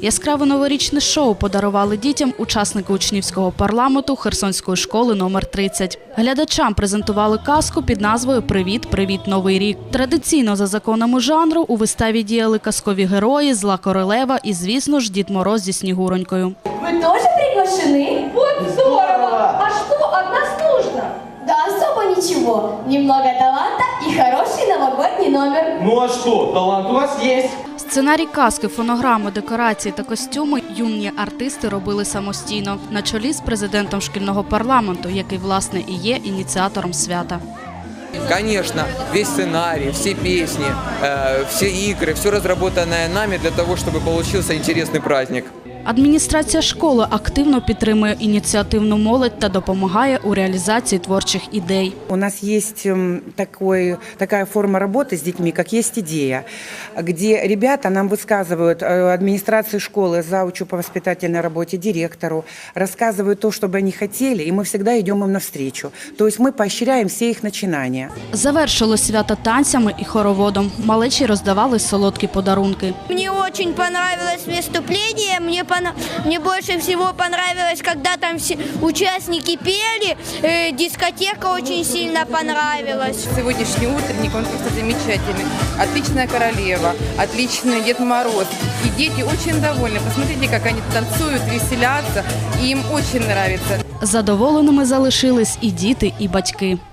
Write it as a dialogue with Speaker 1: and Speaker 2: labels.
Speaker 1: Яскраве новорічне шоу подарували дітям учасники учнівського парламенту Херсонської школи номер 30. Глядачам презентували казку під назвою «Привіт, привіт, Новий рік». Традиційно за законами жанру у виставі діяли казкові герої, зла королева і, звісно ж, Дід Мороз зі Снігуронькою.
Speaker 2: Вы тоже приглашены? Вот здорово! А что от нас нужно? Да особо ничего. Немного таланта и хороший новогодний номер.
Speaker 3: Ну а что, талант у вас есть.
Speaker 1: Сценарій казки, фонограми, декорації та костюми юні артисти робили самостійно, на чолі з президентом шкільного парламенту, який, власне, і є ініціатором свята.
Speaker 4: Конечно, весь сценарий, все песни, все игры, все разработанное нами для того, чтобы получился интересный праздник.
Speaker 1: Адміністрація школи активно підтримує ініціативну молодь та допомагає у реалізації творчих ідей.
Speaker 5: У нас есть такая форма работы с детьми, как «Есть идея», где ребята нам высказывают, администрации школы, заучу по воспитательной работе, директору, рассказывают то, что бы они хотели, и мы всегда идем им навстречу. То есть мы поощряем все их начинания.
Speaker 1: Завершилось свято танцями і хороводом. Малечі роздавали солодкі подарунки.
Speaker 6: Мне очень понравилось выступление, мне больше всего понравилось, когда там все участники пели, дискотека очень сильно понравилась.
Speaker 7: Сегодняшний утренник, он просто замечательный. Отличная королева, отличный Дед Мороз. И дети очень довольны. Посмотрите, как они танцуют, веселятся. И им очень нравится.
Speaker 1: Задоволеними залишились і діти, і батьки.